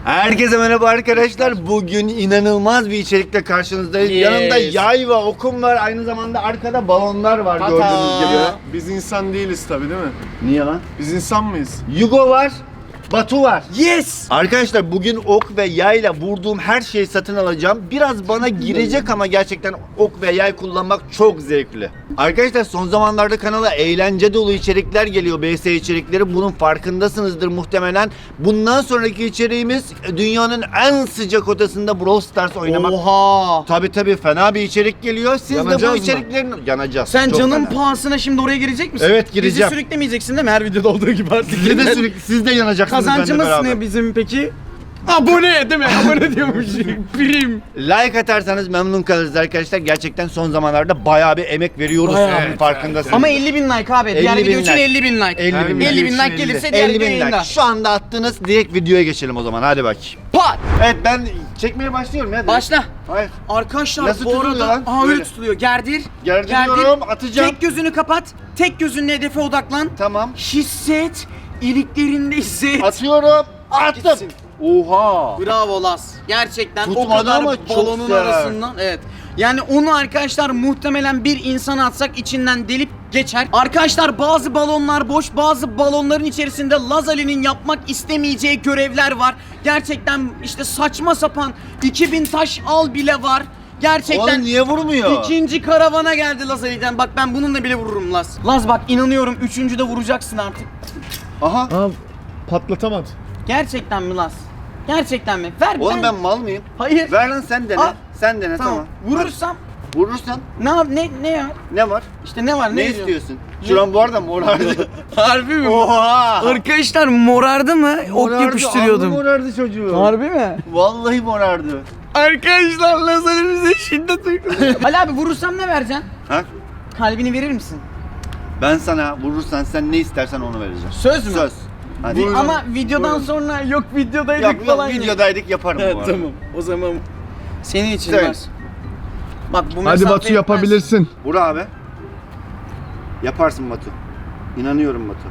Herkese merhaba arkadaşlar. Bugün inanılmaz bir içerikle karşınızdayız. Yes. Yanımda yay ve okum var. Aynı zamanda arkada balonlar var gördüğünüz gibi. Biz insan değiliz tabi değil mi? Niye lan? Biz insan mıyız? Yugo var. Batu var. Yes! Arkadaşlar bugün ok ve yayla vurduğum her şeyi satın alacağım. Biraz bana girecek ama gerçekten ok ve yay kullanmak çok zevkli. Arkadaşlar son zamanlarda kanala eğlence dolu içerikler geliyor. BS içerikleri. Bunun farkındasınızdır muhtemelen. Bundan sonraki içeriğimiz dünyanın en sıcak odasında Brawl Stars oynamak. Oha! Tabi fena bir içerik geliyor. Siz de bu Yanacağız mı? içeriklerin... Yanacağız. Sen Çok canın fena. pahasına şimdi oraya girecek misin? Evet, gireceğim. Bizi sürüklemeyeceksin değil mi? Her videoda olduğu gibi artık. Siz de sürekli siz de yanacaksınız benimle Kazancımız beraber. ne bizim peki? Abone değil mi? Abone diyormuş. Prim. Like atarsanız memnun kalırız arkadaşlar. Gerçekten son zamanlarda bayağı bir emek veriyoruz. Bayağı. Bunun farkındasınız. Ama 50.000 like abi. Diğer 50.000 video için like. 50.000 like. 50.000 like. 50.000 like gelirse diğer 50 video bin yayında. like. Şu anda attınız, direkt videoya geçelim o zaman. Hadi bak. Pat! Evet, ben çekmeye başlıyorum ya. Başla. Hayır. Arkadaşlar Nasıl bu tutuluyor arada... lan? Aha öyle Böyle. tutuluyor. Gerdir. Gerdiriyorum, atacağım. Tek gözünü kapat. Tek gözünle hedefe odaklan. Tamam. Hisset. İliklerinde hisset. Atıyorum. Attım. Gitsin. Oha. Bravo Las. Gerçekten o Tutmadı kadar ama çok balonun sert. arasından. Evet. Yani onu arkadaşlar muhtemelen bir insan atsak içinden delip geçer. Arkadaşlar bazı balonlar boş, bazı balonların içerisinde Laz Ali'nin yapmak istemeyeceği görevler var. Gerçekten işte saçma sapan 2000 taş al bile var. Gerçekten Oğlum niye vurmuyor? ikinci karavana geldi Laz Ali'den. Bak ben bununla bile vururum Laz. Laz bak inanıyorum üçüncüde vuracaksın artık. Aha. Aa, patlatamadı. Gerçekten mi Laz? Gerçekten mi? Ver Oğlum ben mal mıyım? Hayır. Ver lan sen dene. Al. Sen dene tamam. Tamam. Vurursam Vurursan ne ya? ne var? İşte ne var Ne diyorsun? istiyorsun? Şuran bu arada morardı. Harbi mi? Oha. Arkadaşlar morardı mı? Ok Morardı, yapıştırıyordum. alnı morardı çocuğu. Harbi mi? Vallahi morardı. Arkadaşlar lazerimize şiddet uyguluyor. Ali abi vurursam ne vereceksin? Ha? Kalbini verir misin? Ben sana vurursan sen ne istersen onu vereceğim. Söz mü? Söz. Hadi. Ama videodan sonra yok videodaydık Yok falan. videodaydık yaparım bu arada. Tamam. O zaman senin için Söyle. var. Bak bu Hadi mesafe Batu yetmez. yapabilirsin. Vur abi. Yaparsın Batu. İnanıyorum Batu.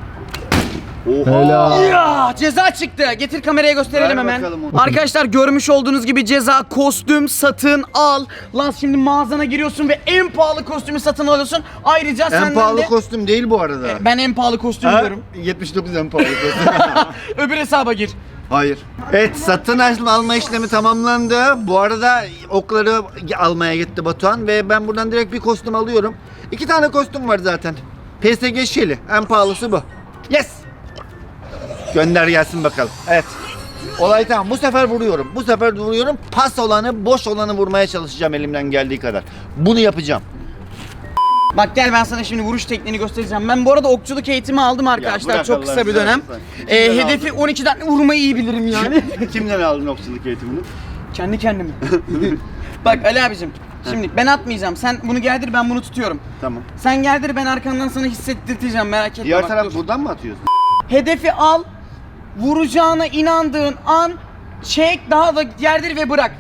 Oha. Helal. Ya ceza çıktı. Getir kameraya gösterelim Ver hemen. bakalım onu. Arkadaşlar görmüş olduğunuz gibi ceza kostüm satın al. Lan şimdi mağazana giriyorsun ve en pahalı kostümü satın alıyorsun. Ayrıca En senden pahalı de... kostüm değil bu arada. Ben en pahalı kostüm Ha? diyorum. 79 en pahalı kostüm. Öbür hesaba gir. Hayır. Evet, satın alma işlemi tamamlandı. Bu arada okları almaya gitti Batuhan ve ben buradan direkt bir kostüm alıyorum. 2 tane kostüm var zaten. PSG Shelly. En pahalısı bu. Yes. Gönder gelsin bakalım. Evet. Olay tamam. Bu sefer vuruyorum. Bu sefer vuruyorum. Pas olanı, boş olanı vurmaya çalışacağım elimden geldiği kadar. Bunu yapacağım. Bak gel ben sana şimdi vuruş tekniğini göstereceğim. Ben bu arada okçuluk eğitimi aldım arkadaşlar. bırak Çok Allah kısa bir razı dönem. olsun. Kimden Hedefi 12'den vurmayı iyi bilirim yani. Kimden aldın okçuluk eğitimini? Kendi kendime. Bak Ali abicim. Şimdi ben atmayacağım. Sen bunu gerdir ben bunu tutuyorum. Tamam. Sen gerdir ben arkandan sana hissettireceğim merak etme. Diğer bak, taraf dur. buradan mı atıyorsun? Hedefi al. Vuracağına inandığın an çek daha da gerdir ve bırak.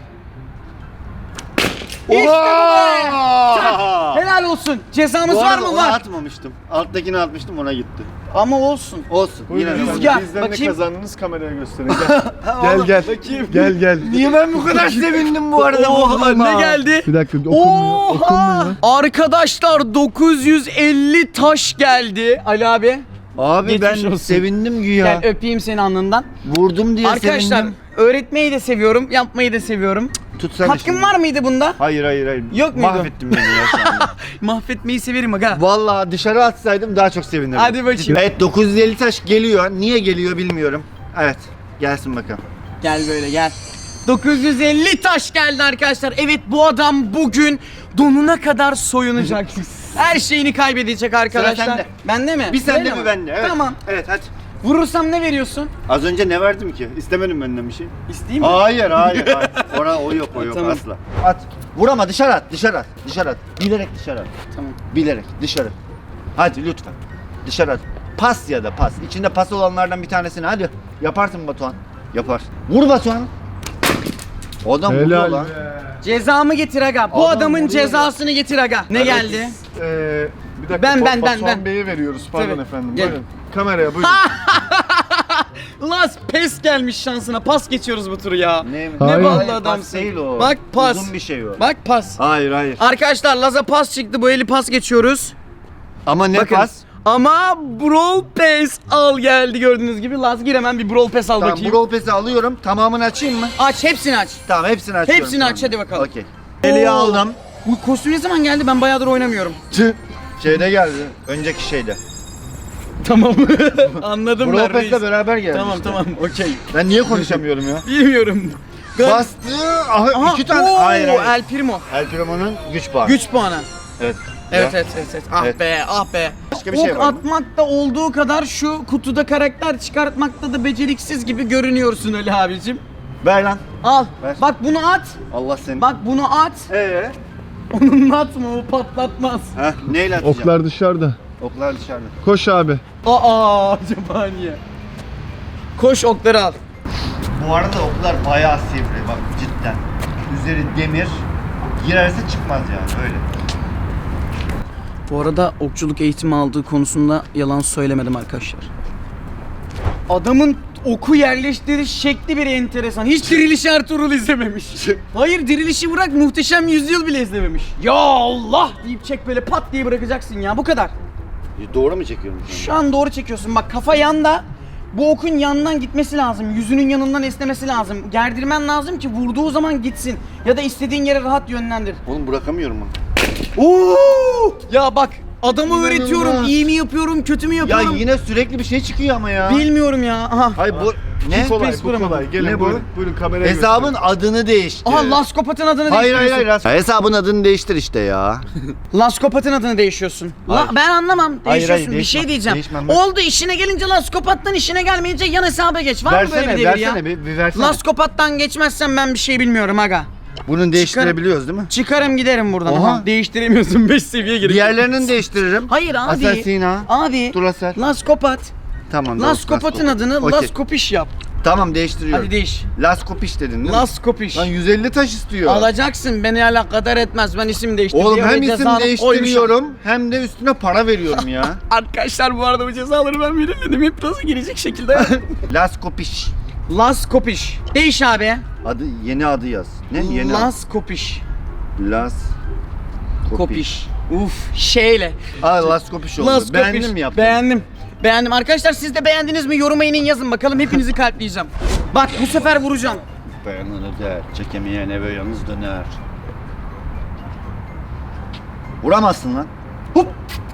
İşte bu be! Oha! Helal olsun. Cezamız Bu var arada mı? onu Var. atmamıştım. Alttakini atmıştım, ona gitti. Ama olsun. Olsun. Yine de. Rüzgar. Bizden ne bakayım. kazandınız kameraya gösterin. Gel. Gel gel. Niye ben bu kadar sevindim bu arada? Oha vurduğuma? ne geldi? Bir dakika okunmuyor. Okunmuyor. Arkadaşlar 950 taş geldi Ali abi. Abi Geçmiş ben olsun. sevindim güya. Gel öpeyim seni alnından. Vurdum diye Arkadaşlar sevindim. öğretmeyi de seviyorum, yapmayı da seviyorum. Tutsana Hakkım şimdi. var mıydı bunda? Hayır. Yok muydu? Mahvettin beni ya şu anda. Mahvetmeyi severim aga. Vallahi dışarı atsaydım daha çok sevinirdim. Hadi bakayım. Evet, 950 taş geliyor. Niye geliyor bilmiyorum. Evet, gelsin bakalım. Gel böyle gel. 950 taş geldi arkadaşlar. Evet bu adam bugün donuna kadar soyunacak. Her şeyini kaybedecek arkadaşlar. sende. Bende mi? Bir sende Öyle bir mi? bende. Evet. Tamam. Evet hadi. Vurursam ne veriyorsun? Az önce ne verdim ki? İstemedim benden bir şey. İsteyeyim mi? Hayır. O yok Tamam. asla. At. Vur ama dışarı at. Bilerek dışarı at. Tamam. Bilerek dışarı. Hadi lütfen. Dışarı at. Pas ya da pas. İçinde pas olanlardan bir tanesini hadi. Yaparsın Batuhan. Yapar. Vur Batuhan. O adam vuruyor Helal lan. be. Cezamı getir aga. Bu Adam adamın vuruyor cezasını getir aga. Ne geldi? Bir dakika Ben. Batuhan Bey'e veriyoruz. Pardon Tabii. efendim. Gel. Buyurun. Kameraya buyurun. Laz pes gelmiş şansına. Pas geçiyoruz bu turu ya. Ne Hayır. ballı Hayır, adamsın. pas değil o. Bak pas. Uzun bir şey o. Bak pas. Hayır hayır. Arkadaşlar Laz'a pas çıktı. Bu eli pas geçiyoruz. Ama ne Bakın. pas? Ama Brawl Pass al geldi gördüğünüz gibi. Laz gir hemen bir Brawl Pass al Tamam, bakayım. Brawl Pass'i alıyorum. Tamamını açayım mı? Aç hepsini aç. Tamam, hepsini açıyorum. Hepsini aç, hadi bakalım. Okey. Eliye Oo. aldım. Bu kostüm ne zaman geldi? Ben bayağıdır oynamıyorum. Şeyde geldi. Önceki şeyde. Tamam. Anladım Brawl ben reis. Pass'le beraber geldi Tamam işte. tamam okey. Ben niye konuşamıyorum ya? Bilmiyorum. Bastı. Aha, iki tane. oo, Hayır hayır. El Primo. El Primo'nun güç puanı. Güç puanı. Evet. Evet Ya. evet. Ah Evet. be ah be. Başka bir şey Ok var mı? atmakta olduğu kadar şu kutuda karakter çıkartmakta da beceriksiz gibi görünüyorsun öyle abicim. Ver lan. Al. Ver. Bak bunu at. Allah seni. Bak bunu at. Onunla atma o patlatmaz. Heh, neyle atacağım? Oklar dışarıda. Oklar dışarıda. Koş abi. Aa acaba niye? Koş okları al. Bu arada oklar bayağı sivri bak cidden. Üzeri demir. Girerse çıkmaz yani öyle. Bu arada okçuluk eğitimi aldığı konusunda yalan söylemedim arkadaşlar. Adamın oku yerleştiriş şekli bir enteresan. Hiç Diriliş Ertuğrul izlememiş. Hayır Diriliş'i bırak Muhteşem Yüzyıl bile izlememiş. Ya Allah deyip çek böyle pat diye bırakacaksın ya bu kadar. Doğru mu çekiyorum Şu an doğru çekiyorsun bak kafa yanda. Bu okun yanından gitmesi lazım. Yüzünün yanından esnemesi lazım. Gerdirmen lazım ki vurduğu zaman gitsin. Ya da istediğin yere rahat yönlendir. Oğlum bırakamıyorum ben. Oo! Ya bak adamı İnanılmaz. öğretiyorum. İyi mi yapıyorum, kötü mü Ya yapıyorum? yine sürekli bir şey çıkıyor ama ya. Bilmiyorum ya. Aha. Hayır bu ne? Kolay, Pes bu vuramadım. kolay. Gelin Ne bu? buyurun. Buyurun kameraya Hesabın adını değiştir. Aha Laskopat'ın adını Hayır hayır değiştiriyorsun. hayır. Hesabın adını değiştir işte ya. Laskopat'ın adını değişiyorsun. Hayır. Ben anlamam. Hayır, Değişiyorsun. hayır, bir şey değişmem. diyeceğim. Değişmem ben. Oldu işine gelince Laskopat'tan işine gelmeyince yan hesaba geç. Var mı böyle Versene bir devir ya? versene bir versene. Laskopat'tan geçmezsen ben bir şey bilmiyorum aga. Bunun değiştirebiliyoruz değil mi? Çıkarım giderim buradan. Oha. Aha. Değiştiremiyorsun 5 seviye gerek. Diğerlerini değiştiririm. Hayır abi. Asasina. Abi. Duracell. Laskopat. Tamam. doğru, Laskopat'ın adını Okey. Laskopiş yap. Tamam değiştiriyorum. Hadi değiş. Laskopiş dedin değil mi? Laskopiş. Lan 150 taş istiyor. Alacaksın beni alakadar etmez. Ben isim değiştirdim. Oğlum diye hem ve isim cezanı değiştiriyorum hem de üstüne para veriyorum ya. Arkadaşlar bu arada bu cezaları ben belirledim. Hep nasıl girecek şekilde. Laskopiş. Laskopiş. Değiş abi. Adı yeni adı yaz. Ne? Yeni adı. Laskopiş. Las Kopiş. Uf şeyle. Aa Laskopiş oldu. Laskopiş. Beğendin mi yaptın? Beğendim. Beğendim. Arkadaşlar siz de beğendiniz mi? Yoruma inin yazın bakalım. Hepinizi kalpleyeceğim. Bak bu sefer vuracağım. Beğenene der, çekemeyen eve yalnız döner. Vuramazsın lan. Hop.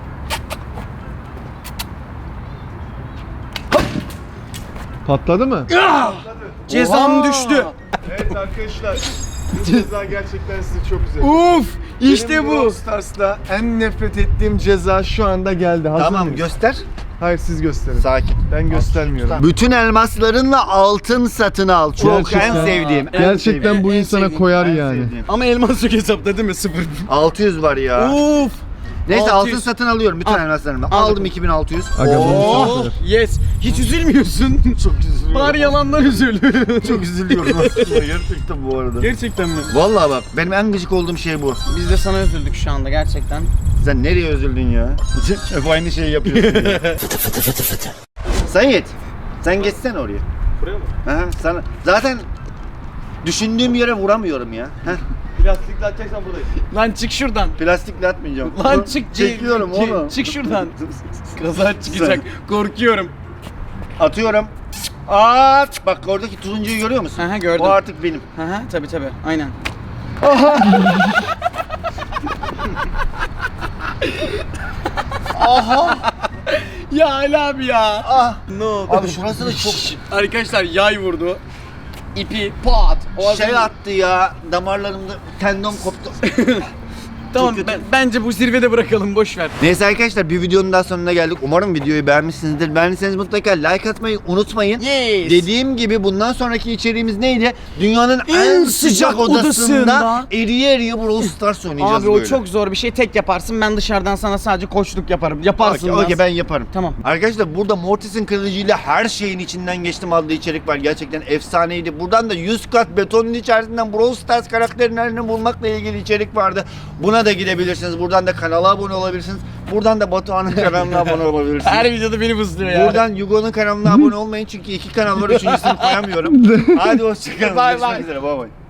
Patladı mı? Cezam Oha! düştü. Evet arkadaşlar. Bu ceza gerçekten sizi çok üzecek. Uf işte Benim bu. Brawl Stars'ta en nefret ettiğim ceza şu anda geldi. Hazır Tamam mıyız? göster. Hayır siz gösterin. Sakin. Ben göstermiyorum. Bütün elmaslarınla altın satın al. Çok Gerçekten. en sevdiğim. en Gerçekten sevdiğim, bu en insana sevdiğim, koyar en yani. sevdiğim. Ama elmas yok hesapta değil mi? 0. 600 var ya. Uf. Neyse 600. altın satın alıyorum bütün Al. elmaslarımı. Al Aldım bakalım. 2600. Aga bunu Oh satırım. yes. Hiç üzülmüyorsun. Çok üzülüyorum. Bari yalandan üzül. Çok üzülüyorum aslında gerçekten bu arada. Gerçekten mi? Vallahi bak benim en gıcık olduğum şey bu. Biz de sana üzüldük şu anda gerçekten. Sen nereye üzüldün ya? Hep aynı şeyi yapıyorsun ya. Sayit, sen geçsene oraya. Buraya mı? Aha, sana zaten düşündüğüm yere vuramıyorum ya. Heh, Plastikle atacaksan buradayım. Lan çık şuradan. plastikle atmayacağım. Lan çık. Çekiyorum oğlum. Çık şuradan. Kaza çıkacak. Korkuyorum. Atıyorum. At. Bak oradaki turuncuyu görüyor musun? Aha, gördüm. O artık benim. Aha tabi tabi aynen. Aha. Ya Ali abi ya. Ah. Ne oldu? Abi şurası da çok Arkadaşlar yay vurdu. İpi pat. O şey adam- attı ya. Damarlarımda tendon koptu. Tamam Çok kötü. bence bu zirvede bırakalım boş ver. Neyse arkadaşlar bir videonun daha sonuna geldik. Umarım videoyu beğenmişsinizdir. Beğendiyseniz mutlaka like atmayı unutmayın. Yes. Dediğim gibi bundan sonraki içeriğimiz neydi? Dünyanın En en sıcak sıcak odasında odasında eriye eriye Brawl Stars oynayacağız Abi böyle. o çok zor bir şey. Tek yaparsın. Ben dışarıdan sana sadece koçluk yaparım. Yaparsın. Okey Laz. ben yaparım. Tamam. Arkadaşlar burada Mortis'in kılıcıyla her şeyin içinden geçtim adlı içerik var. Gerçekten efsaneydi. Buradan da 100 kat betonun içerisinden Brawl Stars karakterlerini bulmakla ilgili içerik vardı. Buna Buna da gidebilirsiniz. Buradan da kanala abone olabilirsiniz. Buradan da Batuhan'ın kanalına abone olabilirsiniz. Her videoda beni bızlıyor ya. Buradan Yugo'nun kanalına abone olmayın çünkü 2 kanal var, 3.'sünü koyamıyorum. Hadi hoşçakalın. Bye bye. Görüşmek üzere. Bye bye.